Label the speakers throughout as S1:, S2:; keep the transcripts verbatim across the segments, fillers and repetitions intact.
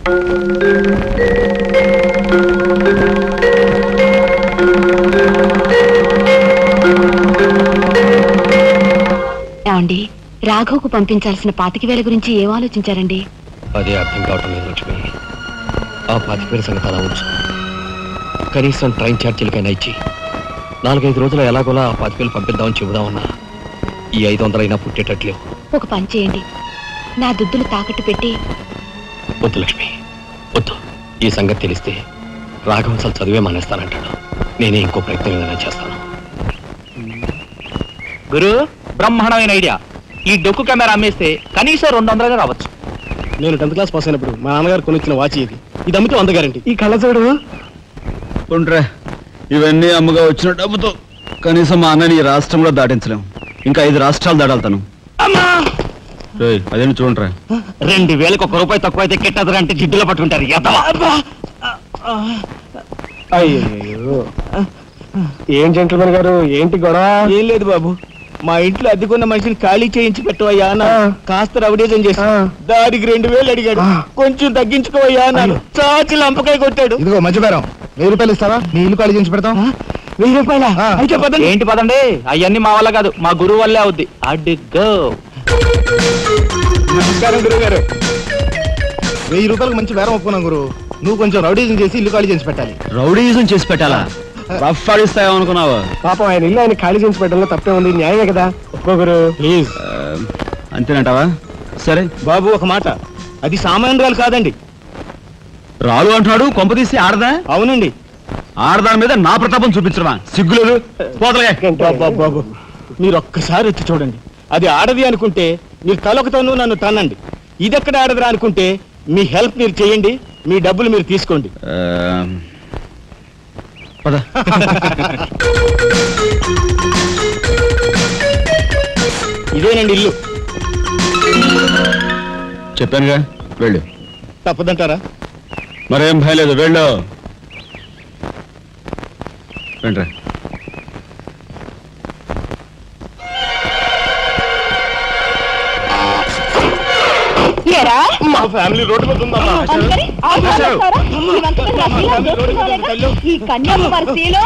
S1: ఏమండి, రాఘవ్కు పంపించాల్సిన పాతిక వేల గురించి ఏం ఆలోచించారండి?
S2: అదే అర్థం కావటం లేదు లక్ష్మి. ఆ పాతిక వేల సంగతి అలా ఉంచు. కనీసం ట్రైన్ ఛార్జీలకైనా ఇచ్చి నాలుగైదు రోజులు ఎలాగోలా ఆ పాతిక వేలు పంపిద్దామని చెబుదామన్నా ఈ ఐదు వందలైనా పుట్టేటట్లేవు.
S1: ఒక పని చేయండి, నా దుద్దులు తాకట్టు పెట్టి.
S2: వద్దు లక్ష్మి, వద్దు. ఈ సంగతి తెలిస్తే రాఘవ అసలు చదివే మానేస్తానంటాడు. నేనే ఇంకో ప్రయత్నం ఏదైనా చేస్తాను.
S3: గురు, బ్రహ్మాండమైన ఐడియా. ఈ డొక్కు కెమెరా అమ్మేస్తే కనీసం రెండు వందలుగా రావచ్చు.
S4: నేను టెన్త్ క్లాస్ పాస్ అయినప్పుడు మా నాన్నగారు కొనిచ్చిన వాచ్ ఇది. ఇది అమ్మితే వంద గ్యారంటీ.
S5: ఈ కళ్ళజోడు ఉంట్రా, ఇవన్నీ అమ్మగా వచ్చిన డబ్బుతో కనీసం మా అన్నని ఈ రాష్ట్రంలో దాటించలేం. ఇంకా ఐదు రాష్ట్రాలు దాడాలతాను. అదేంటి చూడరా,
S3: రెండు వేలకు ఒక రూపాయి తక్కువ అయితే కెట్టదురా అంటే జిడ్డులో పట్టుకుంటారు.
S4: అయ్యో, ఏం జెంట్లమన్ గారు, ఏంటి గొడవ? ఏం లేదు బాబు, మా ఇంట్లో అద్దెకున్న మనిషిని ఖాళీ చేయించి పెట్టవయ్యా అన్న. కాస్త రవిడేజం చేసి దానికి రెండు వేలు అడిగాడు. కొంచెం తగ్గించుకోవయ్యా అన్నాను. చాచి లంపకాయ కొట్టాడు.
S5: ఇదిగో మధ్య బేరం, వెయ్యి రూపాయలు ఇస్తావా? నీ ఇల్లు ఖాళీ చేయించి పెడతాం.
S4: వెయ్యి రూపాయల అయితే పదండి.
S3: ఏంటి పదండి, అవన్నీ మా వల్ల కాదు, మా గురువు వల్లే అవుద్ది. అడ్డుగో.
S4: నమస్కారం గురువు గారు.
S5: వెయ్యి రూపాయలకు మంచి బేరం ఒప్పుకున్నాం గురు. నువ్వు కొంచెం రౌడీజం చేసి ఇల్లు ఖాళీ చేసి పెట్టాలి.
S3: రౌడీజం చేసి పెట్టాలా?
S5: రఫ్ ఆడిస్తాయో అనుకున్నావా?
S4: పాపం ఆయన ఇల్లు ఆయన ఖాళీ చేసి పెట్టడంలో తప్పే ఉంది. న్యాయమే కదా, ఒప్పుకో గురు ప్లీజ్.
S5: అంతేనంటావా? సరే
S4: బాబు, ఒక మాట, అది సామాన్యురాలు కాదండి.
S5: రాలు అంటున్నాడు. కొంప తీసి ఆడదా?
S4: అవునండి.
S5: ఆడదాని మీద నా ప్రతాపం చూపించడమా? సిగ్గులేదు.
S4: బాబు బాబు, మీరు ఒక్కసారి వచ్చి చూడండి. అది ఆడది అనుకుంటే మీరు తలొకతోనూ నన్ను తన్నండి. ఇదెక్కడ ఆడదురా అనుకుంటే మీ హెల్ప్ మీరు చేయండి, మీ డబ్బులు మీరు తీసుకోండి.
S5: పద.
S4: ఇదేనండి ఇల్లు.
S5: చెప్పానుగా, వెళ్ళు.
S4: తప్పదంటారా?
S5: మరేం భయం లేదు, వెళ్ళు. రండి.
S4: మా ఫ్యామిలీ రోడ్డు మీద ఉందమ్మా.
S1: ఈ కన్యాకుమారిలో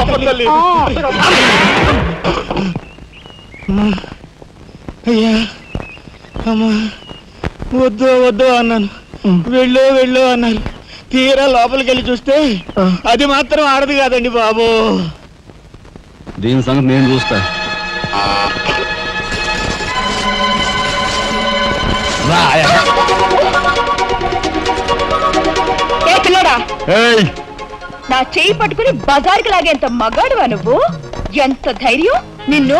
S4: అయ్యా అమ్మా, వద్దు వద్దు అన్నాను. వెళ్ళు వెళ్ళు అన్నారు. తీరా లోపలికి వెళ్ళి చూస్తే అది మాత్రం ఆడదు కాదండి బాబు.
S5: దీని సంగతి నేను చూస్తా.
S1: నా చేయి పట్టుకుని బజార్కి లాగేంత మగాడువా నువ్వు? ఎంత ధైర్యం నిన్ను!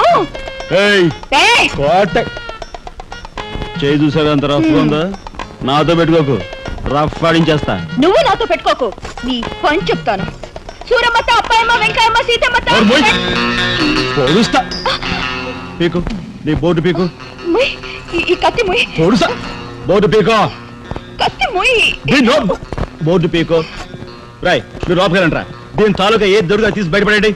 S5: చేయి చూసావు ఎంత రఫ్ ఉందా? నాతో పెట్టుకోకు, రఫ్ ఆడించేస్తా.
S1: నువ్వు నాతో పెట్టుకోకు, నీ పని చెప్తాను. సూరమ్మత, అప్పాయమ్మ, వెంకాయమ్మ, సీతమ్మత.
S5: పొడుస్తా. పీకు, నీ బోటు పీకు.
S1: ఈ కత్తి ముయ్.
S5: పొడుస్తా. బోటు పీకో.
S1: కత్తి ముయ్.
S5: బోర్డు పీకో. రాయ్, మీరు లోపకెళ్ళండి రా. దీని తాలూకా ఏది దొరుకుతా తీసి బయటపడండి.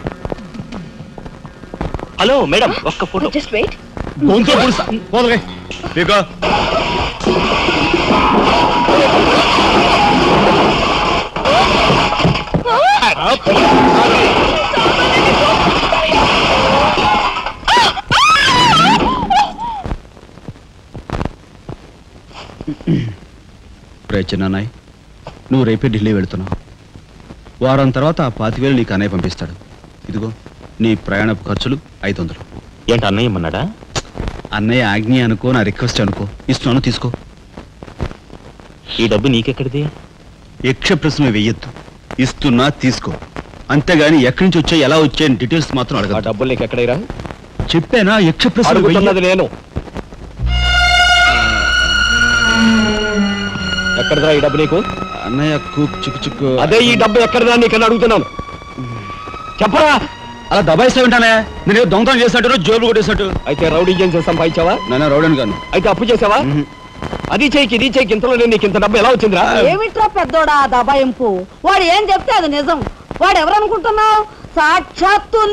S3: హలో మేడం, ఒక్క ఫోటో.
S1: Just wait.
S5: గొంతు పొడుస్తా. పోదలే పీకో. చిన్నాయ్, నువ్వు రేపే ఢిల్లీ వెళుతున్నావు. వారం తర్వాత ఆ పాతివేలు నీకు అన్నయ్య పంపిస్తాడు. ఇదిగో నీ ప్రయాణపు ఖర్చులు ఐదు వందలు.
S3: ఏంటి అన్నయ్య ఏమన్నాడా?
S5: అన్నయ్య ఆజ్ఞ అనుకో, నా రిక్వెస్ట్ అనుకో. ఇస్తున్నాను, తీసుకో.
S3: ఈ డబ్బు నీకెక్కడిది?
S5: యక్ష ప్రశ్న వెయ్యొద్దు. ఇస్తున్నా, తీసుకో. అంతేగాని ఎక్కడి నుంచి వచ్చాయి, ఎలా వచ్చాయని డీటెయిల్స్ మాత్రం అడగ.
S3: డబ్బులు నీకు ఎక్కడైరా?
S5: చెప్పానా? యక్ష ప్రశ్న
S3: అడుగుతున్నది నేను. ఎక్కడదా ఈ డబ్బు నీకు?
S5: అన్నయ్య కుక్ చిక్కు చిక్కు.
S3: అదే ఈ డబ్బు ఎక్కడదా నీకన్నా అడుగుతున్నాను. చెప్పరా?
S5: అలా దబాయిస్తా ఉంటానే. నేను దొంగతనం చేసినట్టు, జోబులు కొట్టేసినట్టు.
S3: అయితే రౌడీ ఏం చేస్తాం సంపాదించావా?
S5: నాన్న రౌడీని కాను.
S3: అయితే అప్పు చేసావా? అది చేయికి ఇది చేయికి ఇంతలో నేను నీకు ఇంత డబ్బు ఎలా వచ్చిందిరా?
S6: ఏమిట్రా పెద్దోడా దబాయింపు? వాడు ఏం చెప్తే అది నిజం. వాడు ఎవరనుకుంటున్నావు? సాక్షాత్తు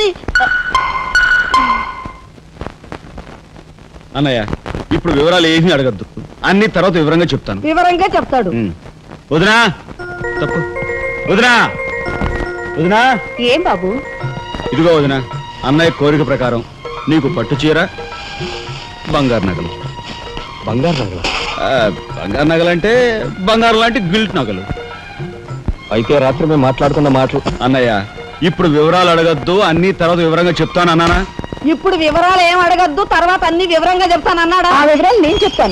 S5: అన్నయ్య, ఇప్పుడు వివరాలు ఏమీ అడగద్దు. అన్ని తర్వాత వివరంగా చెప్తాను.
S6: వివరంగా చెప్తాడు.
S5: వదినా తప్పు వదినా వదినా
S1: ఏం బాబు?
S5: ఇదిగో వదినా, అన్నయ్య కోరిక ప్రకారం నీకు పట్టు చీర, బంగారు నగలు.
S2: బంగారు నగల?
S5: ఆ, బంగారు నగలంటే బంగారు లాంటి గిల్ట్ నగలు.
S2: అయితే రాత్రి మేము మాట్లాడుకున్న మాటలు.
S5: అన్నయ్య, ఇప్పుడు వివరాలు అడగద్దు, అన్ని తర్వాత వివరంగా చెప్తాను అన్నానా?
S6: ఇప్పుడు వివరాలు ఏం అడగద్దు, తర్వాత అన్ని వివరంగా చెప్తానన్నాడా?
S1: ఆ వివరాలు నేను చెప్తాను.